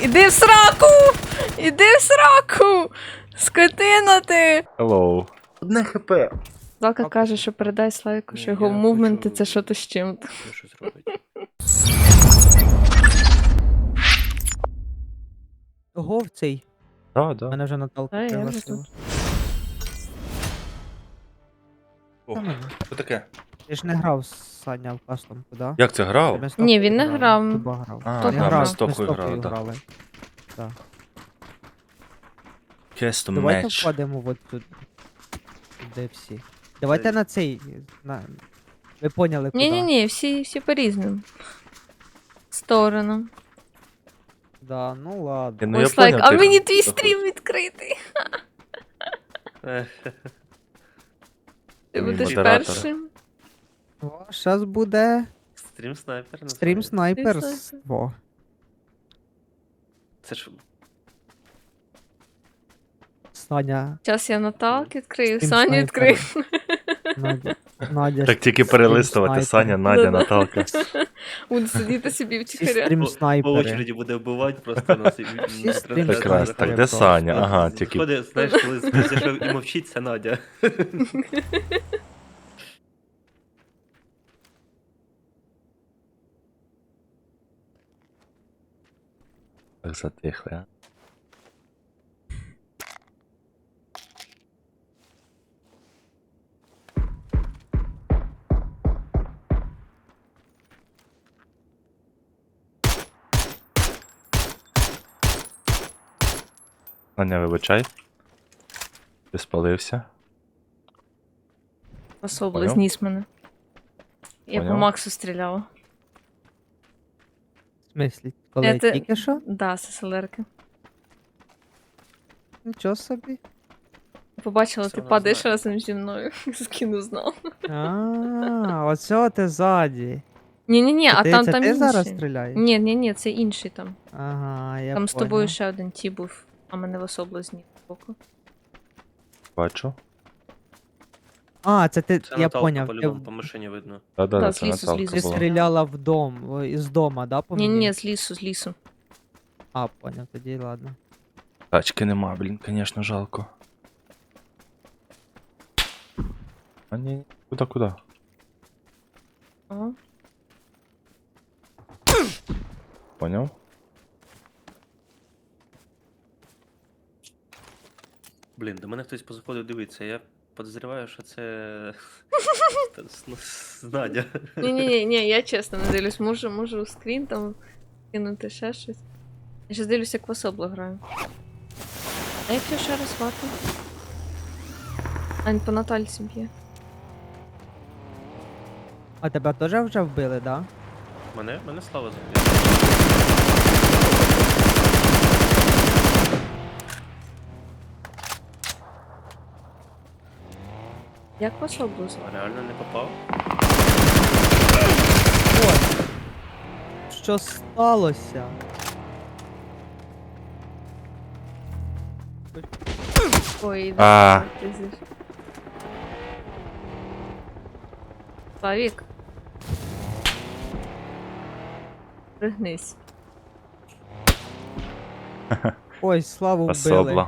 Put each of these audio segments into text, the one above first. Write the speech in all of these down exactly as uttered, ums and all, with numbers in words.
Іди в сраку! Іди в сраку! Скотина ти! Hello. Одне хп. Залка каже, що передай Славіку, що Ні, його я мувменти хочу- це що-то з чим-то. Ну, щось робить. Ого, в цей. Да, да. Мене вже Наталка А, я вже пригласила. О, Та мене. що таке? Ти ж не грав Саня в кастомку, да? Як це грав? Ми з Ні, тобою він не грали, грав. Туба грав. А, Хто Я грав? грав, ми з ми з Топою Топою грали, грали. так. Так. Custom Давайте match. вкладемо от тут. Де всі. Давайте на цей. На... Ви поняли, куди? Ні-ні-ні, всі, всі по різним сторонам. Да, ну ладно. Ну, я Ось лайк, поняв, а ти мені там твій заходиш. стрім відкритий. Ех, Ти Мій будеш модератор. першим. О, щас буде Стрім снайпер. стрім називається. снайперство. Це ж Саня. Зараз я Наталки відкрию, Стрім Саню снайпера. відкрию. Надя. Надя. Так тільки стрім перелистувати. снайпера. Саня, Надя, Да-да. Наталка. Буду сидіти собі Всі втіхаря. стрім по, по снайпери. очереді буде вбивати просто нас. і- і- Всі і- стрім і- Прекрасно. снайпери Так, де просто. Саня? Ага, тільки. Заходить, знаєш, коли зайшов і мовчить, це Надя. Так затихли, а? Саня, вибачай. Ти спалився. Особливо Поняв? зніс мене. Я по Поняв. Максу стріляла. В смислі? Коли Я те- тільки що? Да, з СЛРки. Нічого собі. Побачила, Все ти вона падаєш знає. разом зі мною. Скину знов. А, оце ти ззаді. Ні-ні-ні, а Ти- там це там ти інший. зараз стріляєш? Ні, ні, ні, це інший там. Ага, я Там з понял. тобою ще один ті був, а мене в особливо зніс боку. Бачу. А, це ти, Це я Наталка поняв. Ти, по-любому в- по машині видно. Да-да, Да, це з лісу, з Наталка лісу ти була. стріляла в дом, о, із дома, да, по мені? Ні-ні, з лісу, з лісу. А, поняв, тоді ладно. Тачки нема, блін, звісно, жалко. А ні, куди, куди? Ага. Поняв? Блін, до мене хтось позаходив дивитися. Я підозрюваю, що це Та, ну, Надя. Ні-ні-ні, ні, я чесно не дивлюсь. Можу, можу скрін там кинути ще щось. Я ще дивлюсь, як в особло граю. А як я ще раз вату? Ань, по Натальці б'є. А тебе теж вже вбили, да? Мене? Мене слава заб'є. Як в особло звати? А реально не попав? Ой. Що сталося? Ой, А. ти зиш. Славік. Пригнись. Ой, славу вбили. Особла.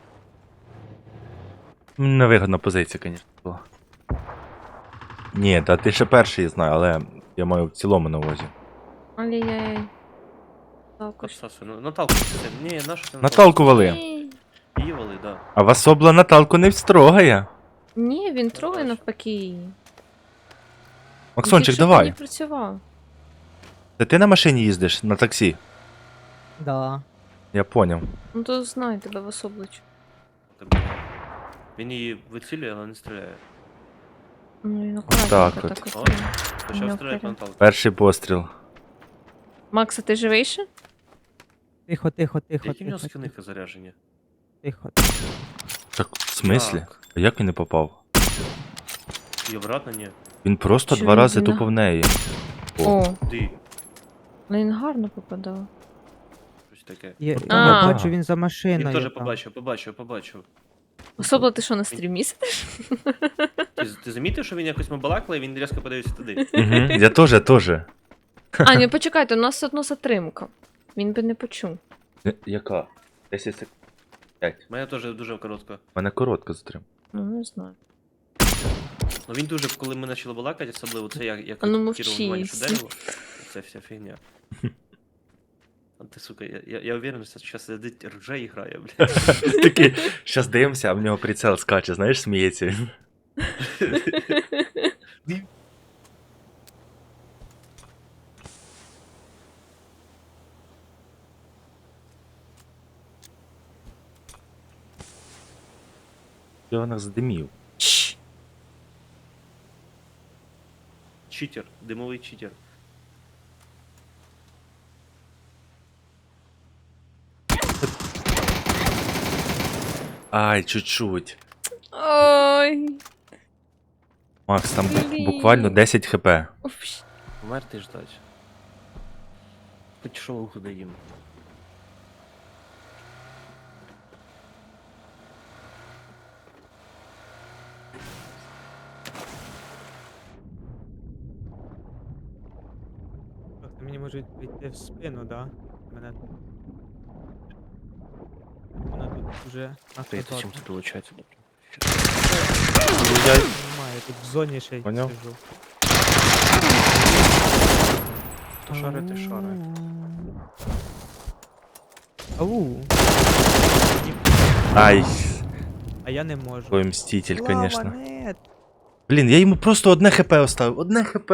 Невигодна позиція, звісно, була. Ні, та ти ще перший знаю, але я маю в цілому на увазі. Ай-яй-яй. Жалко, що- Сасу, ну Наталку це. Ні, нашу це Наталку вали. Ні. Її вали, да. А в особла Наталку не встрогає. Ні, він трогає навпаки її. Максончик, Тільки що давай. Не працював. Та ти на машині їздиш, на таксі. Да. Я поняв. Ну то знай тебе в особличу. Так, буває. Він її вицілює, але не стріляє. Ну він так акуратненько от. так О, от. почав Ну, стріляти по вперед. Наталку. Перший постріл. Макса, ти живий ще? Тихо, тихо, тихо, Які в нього тихо, скиники заряжені? тихо. Так, в смислі? Так. А як він не попав? І обратно ні. Він просто Що два він рази на- тупо в неї. О. О, Ди. але він гарно попадав. Щось таке. Я, А. я бачу, він за Він машиною. теж там. побачив, побачив, побачив. Особливо ти що на стрімі сидиш? Ти, ти замітив, що він якось мабалакла, і він різко подивився туди. Угу. Я теж, теж. А, ні, почекайте, у нас одно затримка. Він би не почув. Е, Яка? десять секунд. п'ять. У мене теж дуже коротко. У мене коротко затримав. Ну, не знаю. Ну він дуже, коли ми почали балакати, особливо це як, як А ну, Кіро внимання, що мовчись. дерево. Це вся фігня. А ти, сука, я, я, я уверен, що зараз сидить рже і грає, блядь. Такий, щас дивимося, а в нього прицел скаче, знаєш, сміється він. Я вона задимів. Чш. Читер, димовий читер. Ай, чуть-чуть. Ой. Макс, там бу- Блін. буквально десять хп. Уф. Померти ждать. Хоч що уху даємо. Трохи мені можуть прийти в спину, да? Мене тут. Вона тут вже Прийти чим наказати. це долучається, добре. Немає, тут в зоні ще й Поняв? сижу. То шари, ти шари. Ау, Ай, а я не можу. твой мститель, Слава, конечно. нет. Блін, я йому просто одне хп оставив. Одне хп.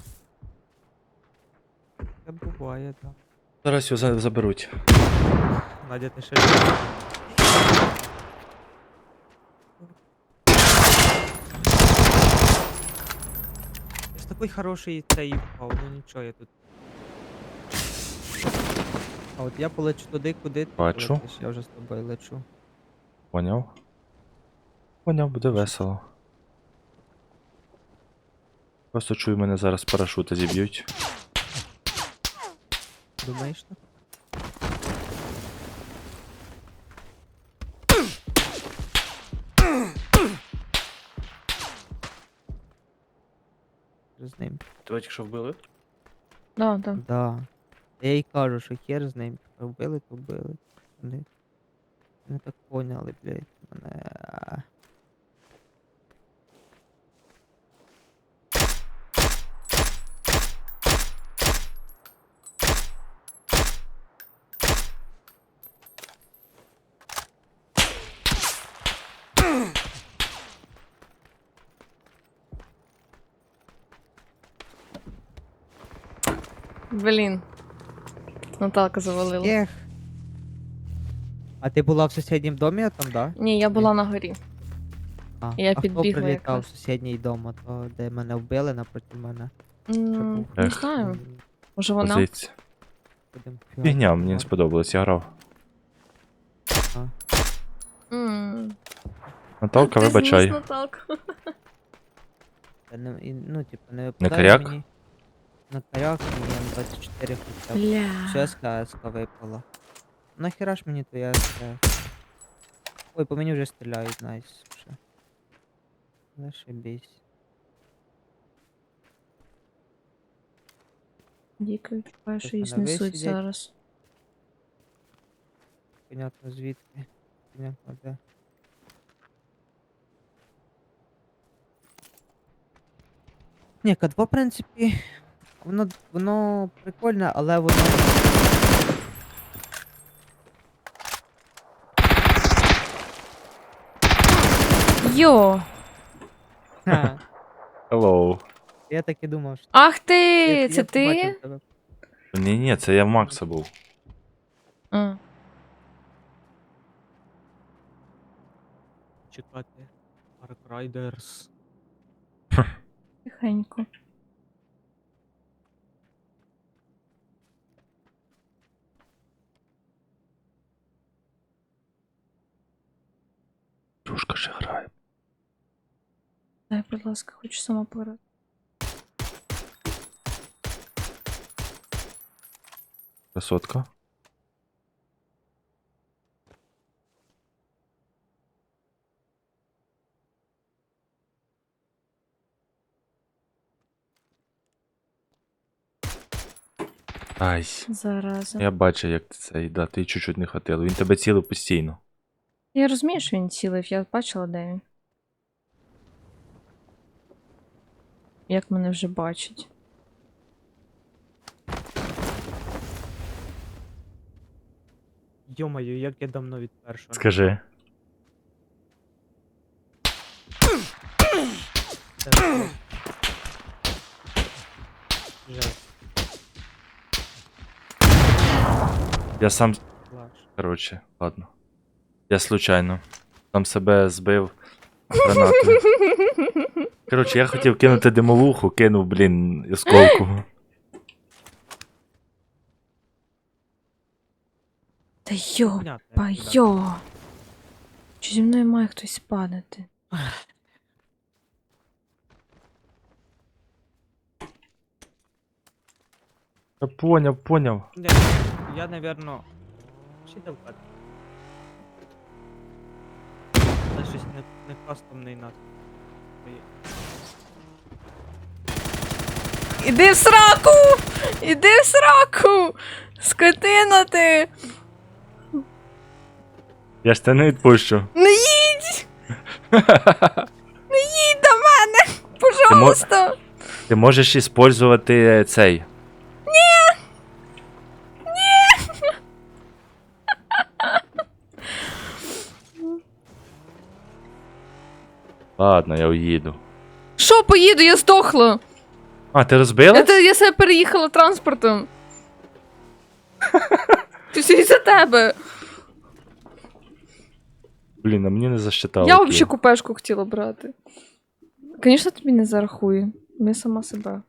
Це буває, так. Зараз його за- заберуть. Надя, ти ще живий? Я ж такий хороший цей впав, ну нічого, я тут. А от я полечу туди, куди ти Бачу. полетиш, я вже з тобою лечу. Поняв? Поняв, буде весело. Просто чую, мене зараз з парашута зіб'ють. Думаєш так? З ним. Тебе тільки що вбили? Да, да. Да. Я їй кажу, що хер з ним. Типа, вбили, то вбили. Вони не так поняли, блядь. Мене. а. Блін. Наталка завалила. Ех. А ти була в сусіднім домі там, да? Ні, я була на горі. А, Я а хто підбігла прилітав якраз. в сусідній дом, а то де мене вбили напроти мене? М, був? Не Ех. знаю. М, Може вона? Позиція. будем Фігня, мені не фігати. сподобалось, я грав. М. Наталка, Ти вибачай. зніс Наталку. Та не- і, ну, типу, не випадає коряк? мені на коряк мені М двадцять чотири хоча б. Бля. Все СК випала. Нахера ж мені твоя СК? Ой, по мені вже стріляють, найс. Вже. Зашибись. Діка відчуваю, що Щось її мене знесуть висидять. зараз. Понятно звідки. Понятно де. Ні, К два, в принципі, воно, воно прикольне, але воно. Йо! Ха, Hello. я так і думав, що. Ах ти! я- я Це ти? побачив тебе. Ні, ні, це я в Макса був. А. Чекати. Ark Riders. Тихенько. Дружка ще грає. Дай, будь ласка, хочу сама пограти. Красотка. Ай, Зараза. я бачу, як ти цей, да, ти чуть-чуть не хватило. Він тебе цілив постійно. Я розумію, що він цілив, я бачила, де він. Як мене вже бачить. Йомаю, як я давно від першого. Скажи. Це просто жесть. Я сам. Клас. Коротше, ладно. Я случайно. Сам себе збив гранатою. Коротше, я хотів кинути димовуху, кинув, блін, осколку. Та йо, Понятно, як па кидати. йо. Чи зі мною має хтось падати? Я поняв, поняв. Я, я наверно. Ще далеко. Це щось не, не кастомний нас. Іди в сраку! Іди в сраку! Скотина ти! Я ж тебе не відпущу. Не їдь! Не їдь до мене! Пожалуйста! Ти можеш іспользувати цей. Ладно, я уїду. Що поїду, я здохла! А, ти розбила? Я, я себе переїхала транспортом. Ти все із-за тебе. Блін, а мені не засчитало. Я окей. взагалі купешку хотіла брати. Звісно, тобі не зарахую. Ми сама себе.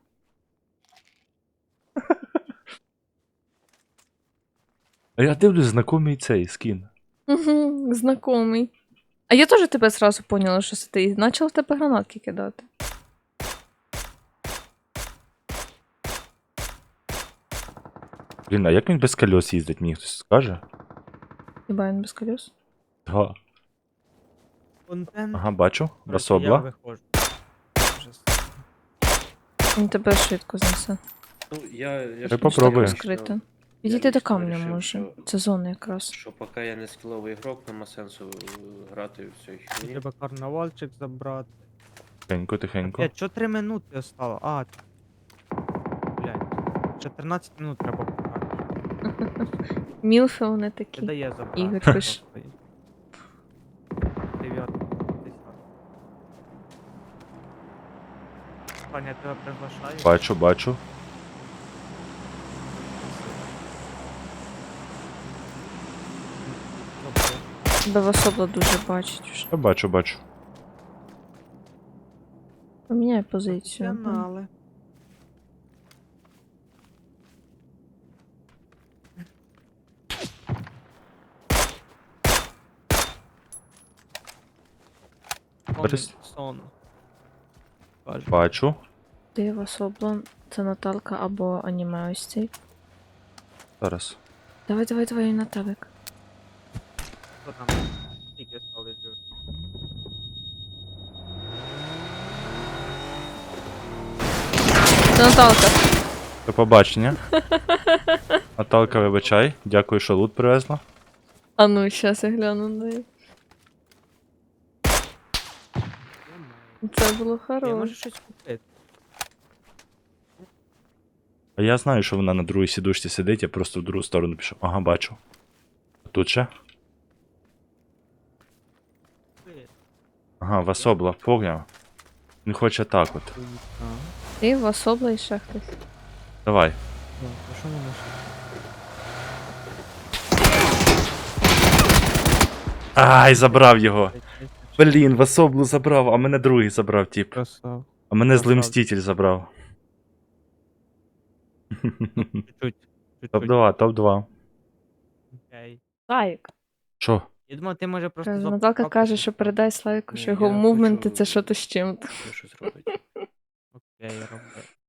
А я дивлюсь, знакомий цей скін. Угу, знакомий. А я теж тебе зразу поняла, що це ти. І почала в тебе гранатки кидати. Блін, а як він без кольос їздить, мені хтось скаже? Хіба він без колес? Ага, Контент. ага бачу. коротше, Я Басобла. виходжу. Ужас. Він тебе швидко знесе. Ну, я, я Ти ж попробуй. лічно Розкрито. вирішив, Підійти до лічно камня вирішив, може. що- Це зона якраз. Що поки я не скіловий ігрок, нема сенсу е, грати в цю херні. Треба карнавальчик забрати. Тихенько, тихенько. Опять, що три минути остало? А, блядь. чотирнадцять минут треба пограти. Мілфи вони Не такі. дає забрати. Ігор просто пише. їх. Дев'ятка, десятка. Паня, я тебе приглашаю. Бачу, бачу. Добре. Тебе в особо дуже бачить вже. Я бачу, бачу. Поміняй позицію. Професіонали. Борис. Сон. Каже. Бачу. Ти в особо. Це Наталка або аніме ось цей. Зараз. Давай, давай, давай, Наталик. Хто там? Тільки стали живі. Це Наталка. До побачення. Наталка, вибачай. Дякую, що лут привезла. А ну, щас я гляну на неї. Це було Я можу хороше. щось купити. А я знаю, що вона на другій сідушці сидить, я просто в другу сторону пішов. Ага, бачу. Тут ще? Купити. Ага, Васобла, поняв. Він хоче так от. Так. Ти в особо і ще хтось. Давай. Ну, а що воно ще? Ай, забрав його. Блін, Васоблу забрав, а мене другий забрав, тип. Красав. А мене злий Забрав. мститель забрав. Чуть-чуть. топ Чуть-чуть. два, топ два. Окей. Слайк. Що? Я думав, ти може просто Каже, зоп- Наталка зоп- каже, що передай Слайку, Ні, що його я мувменти хочу- це що то з чим. Я щось робити. Окей, роби.